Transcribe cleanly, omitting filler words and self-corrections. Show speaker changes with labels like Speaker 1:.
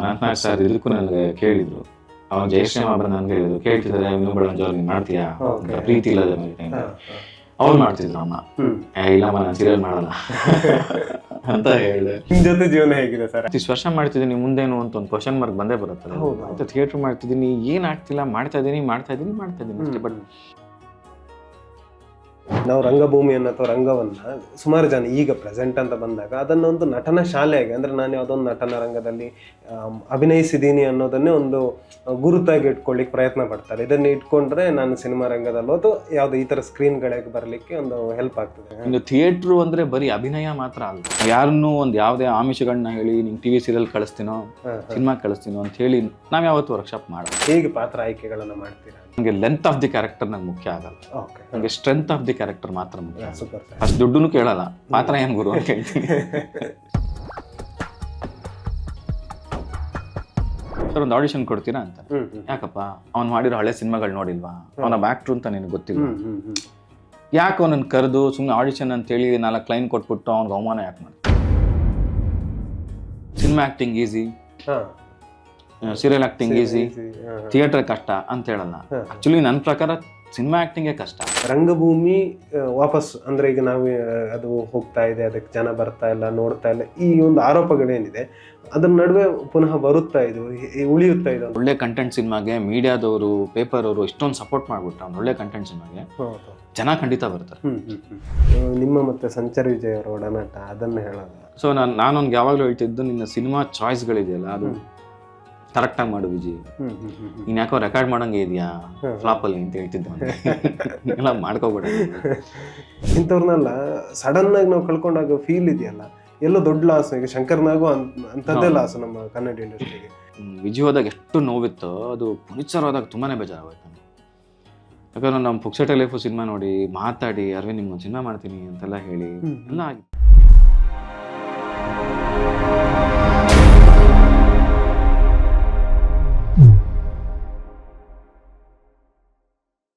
Speaker 1: Anantnag sir ಇದಕ್ಕೂ ನನಗೆ ಕೇಳಿದ್ರು, ಅವ್ನು ಜಯಶ್ರೀ ಒಬ್ಬರು ನನ್ಗೆ ಹೇಳಿದ್ರು, ಕೇಳ್ತಿದ್ದಾರೆ ಇನ್ನೊಬ್ಬಳ ಜೋರ್ ಮಾಡ್ತೀಯಾ ಪ್ರೀತಿ ಇಲ್ಲದ ಮೇಲೆ ಅವ್ರು ಮಾಡ್ತಿದ್ರು ಅಮ್ಮ, ಇಲ್ಲಮ್ಮ ನಾನು ಸೀರಿಯಲ್ ಮಾಡಲ್ಲ ಅಂತ ಹೇಳಿದೆ.
Speaker 2: ನಿಮ್ ಜೊತೆ ಜೀವನ ಹೇಗಿದೆ ಸರ್?
Speaker 1: ಇಷ್ಟು ವರ್ಷ ಮಾಡ್ತಿದ್ದೀನಿ, ಮುಂದೇನು ಅಂತ ಒಂದು ಕ್ವಶನ್ ಮಾರ್ಕ್ ಬಂದೇ ಬರುತ್ತಲ್ಲ. ಮತ್ತೆ ಥಿಯೇಟರ್ ಮಾಡ್ತಿದ್ದೀನಿ, ಏನ್ ಆಗ್ತಿಲ್ಲ, ಮಾಡ್ತಾ ಇದೀನಿ ಅಷ್ಟೇ. ಬಟ್
Speaker 2: ನಾವು ರಂಗಭೂಮಿಯನ್ನು ಅಥವಾ ರಂಗವನ್ನ ಸುಮಾರು ಜನ ಈಗ ಪ್ರೆಸೆಂಟ್ ಅಂತ ಬಂದಾಗ ಅದನ್ನೊಂದು ನಟನ ಶಾಲೆಯಾಗಿ, ಅಂದ್ರೆ ನಾನು ಯಾವುದೊಂದು ನಟನ ರಂಗದಲ್ಲಿ ಅಭಿನಯಿಸಿದ್ದೀನಿ ಅನ್ನೋದನ್ನೇ ಒಂದು ಗುರುತಾಗಿ ಇಟ್ಕೊಳ್ಳಿಕ್ಕೆ ಪ್ರಯತ್ನ ಪಡ್ತಾರೆ. ಇದನ್ನ ಇಟ್ಕೊಂಡ್ರೆ ನಾನು ಸಿನಿಮಾ ರಂಗದಲ್ಲೋ ಅಥವಾ ಯಾವುದೋ ಈ ಥರ ಸ್ಕ್ರೀನ್ಗಳಿಗೆ ಬರಲಿಕ್ಕೆ ಒಂದು ಹೆಲ್ಪ್ ಆಗ್ತದೆ.
Speaker 1: ಇನ್ನು ಥಿಯೇಟ್ರು ಅಂದ್ರೆ ಬರೀ ಅಭಿನಯ ಮಾತ್ರ ಅಲ್ಲ, ಯಾರನ್ನೂ ಒಂದು ಯಾವುದೇ ಆಮಿಷಗಳನ್ನ ಹೇಳಿ ನಿಂಗೆ ಟಿವಿ ಸೀರಿಯಲ್ ಕಳಿಸ್ತೀನೋ ಸಿನಿಮಾ ಕಳಿಸ್ತೀನೋ ಅಂತ ಹೇಳಿ ನಾವ್ ಯಾವತ್ತೂ ವರ್ಕ್ಶಾಪ್ ಮಾಡೋದು.
Speaker 2: ಹೇಗೆ ಪಾತ್ರ ಆಯ್ಕೆಗಳನ್ನ ಮಾಡ್ತೀರಾ?
Speaker 1: ನನಗೆ ಲೆಂತ್ ಆಫ್ ದಿ ಕ್ಯಾರೆಕ್ಟರ್ ನಂಗೆ ಮುಖ್ಯ ಆಗಲ್ಲ, ನನಗೆ ಸ್ಟ್ರೆಂತ್ ಆಫ್ ದಿ ಕ್ಯಾರೆಕ್ಟರ್ ಮಾತ್ರ ಮುಖ್ಯ. ಅಷ್ಟು ದುಡ್ಡು ಕೇಳಲ್ಲ, ಪಾತ್ರ ಏನ್ ಗುರು ಅಂತ ಕೇಳ್ತೀನಿ. ಸರ್ ಒಂದು ಆಡಿಷನ್ ಕೊಡ್ತೀರಾ ಅಂತ, ಯಾಕಪ್ಪ ಅವ್ನು ಮಾಡಿರೋ ಹಳೆ ಸಿನಿಮಾಗಳು ನೋಡಿಲ್ವಾ, ಅವನ ಆಕ್ಟ್ರು ಅಂತ ನಿನಗೆ ಗೊತ್ತಿಲ್ಲ, ಯಾಕೆ ಅವನನ್ನು ಕರೆದು ಸುಮ್ಮನೆ ಆಡಿಷನ್ ಅಂತೇಳಿ 4 ಲೈನ್ ಕೊಟ್ಬಿಟ್ಟು ಅವ್ನಿಗೆ ಅವಮಾನ ಯಾಕೆ ಮಾಡಿ? Cinema acting easy, serial acting easy, theatre ಕಷ್ಟ ಅಂತ ಹೇಳಲ್ಲ. ಆಕ್ಚುಲಿ ನನ್ನ ಪ್ರಕಾರ ಸಿನಿಮಾ ಆಕ್ಟಿಂಗೇ ಕಷ್ಟ.
Speaker 2: ರಂಗಭೂಮಿ ವಾಪಸ್ ಅಂದ್ರೆ ಈಗ ನಾವು ಅದು ಹೋಗ್ತಾ ಇದೆ, ಅದಕ್ಕೆ ಜನ ಬರ್ತಾ ಇಲ್ಲ, ನೋಡ್ತಾ ಇಲ್ಲ, ಈ ಒಂದು ಆರೋಪಗಳೇನಿದೆ ಅದ್ರ ನಡುವೆ ಪುನಃ ಬರುತ್ತಾ ಇದು, ಉಳಿಯುತ್ತಾ ಇದು.
Speaker 1: ಒಳ್ಳೆ ಕಂಟೆಂಟ್ ಸಿನಿಮಾಗೆ ಮೀಡಿಯಾದವರು, ಪೇಪರ್ ಅವರು ಇಷ್ಟೊಂದು ಸಪೋರ್ಟ್ ಮಾಡ್ಬಿಟ್ರೆ ಅವ್ನು ಒಳ್ಳೆ ಕಂಟೆಂಟ್ ಸಿನಿಮಾಗೆ ಜನ ಖಂಡಿತ ಬರ್ತಾರೆ.
Speaker 2: ನಿಮ್ಮ ಮತ್ತೆ ಸಂಚಾರ್ ವಿಜಯ್ ಅವರ ಒಡನಾಟ ಅದನ್ನ ಹೇಳೋದು.
Speaker 1: ಸೊ ನಾನೊಂದು ಯಾವಾಗಲೂ ಹೇಳ್ತಿದ್ದು, ನಿನ್ನ ಸಿನಿಮಾ ಚಾಯ್ಸ್ಗಳಿದೆಯಲ್ಲ ಅದು ಕರೆಕ್ಟಾಗಿ ಮಾಡು ವಿಜಯ್, ನೀನ್ ಯಾಕೋ ರೆಕಾರ್ಡ್ ಮಾಡಂಗೆ ಇದೆಯಾ ಫ್ಲಾಪಲ್ಲಿ ಅಂತ ಹೇಳ್ತಿದ್ದೆ. ಎಲ್ಲ ಮಾಡ್ಕೋಬೇಡ.
Speaker 2: ಇಂಥವ್ರನ್ನೆಲ್ಲ ಸಡನ್ ಆಗಿ ನಾವು ಕಳ್ಕೊಂಡಾಗ ಫೀಲ್ ಇದೆಯಲ್ಲ, ಎಲ್ಲೋ ದೊಡ್ಡ ಲಾಸ್. ಈಗ ಶಂಕರ್ನಾಗೂ ಅಂಥದ್ದೇ ಲಾಸ್ ನಮ್ಮ ಕನ್ನಡ ಇಂಡಸ್ಟ್ರಿಗೆ.
Speaker 1: ವಿಜಯ್ ಹೋದಾಗ ಎಷ್ಟು ನೋವಿತ್ತೋ ಅದು ಪುನೀತ್ ಸರ್ ಹೋದಾಗ ತುಂಬಾನೇ ಬೇಜಾರಾಗೋಯ್ತು ನನಗೆ. ಯಾಕಂದ್ರೆ ನಮ್ಮ ಪುಕ್ಸಟೆ ಲೈಫು ಸಿನಿಮಾ ನೋಡಿ ಮಾತಾಡಿ ಅರವಿಂದ್ ನಿಮ್ಗೊಂದು ಸಿನಿಮಾ ಮಾಡ್ತೀನಿ ಅಂತೆಲ್ಲ ಹೇಳಿ ಎಲ್ಲ ಆಗಿತ್ತು.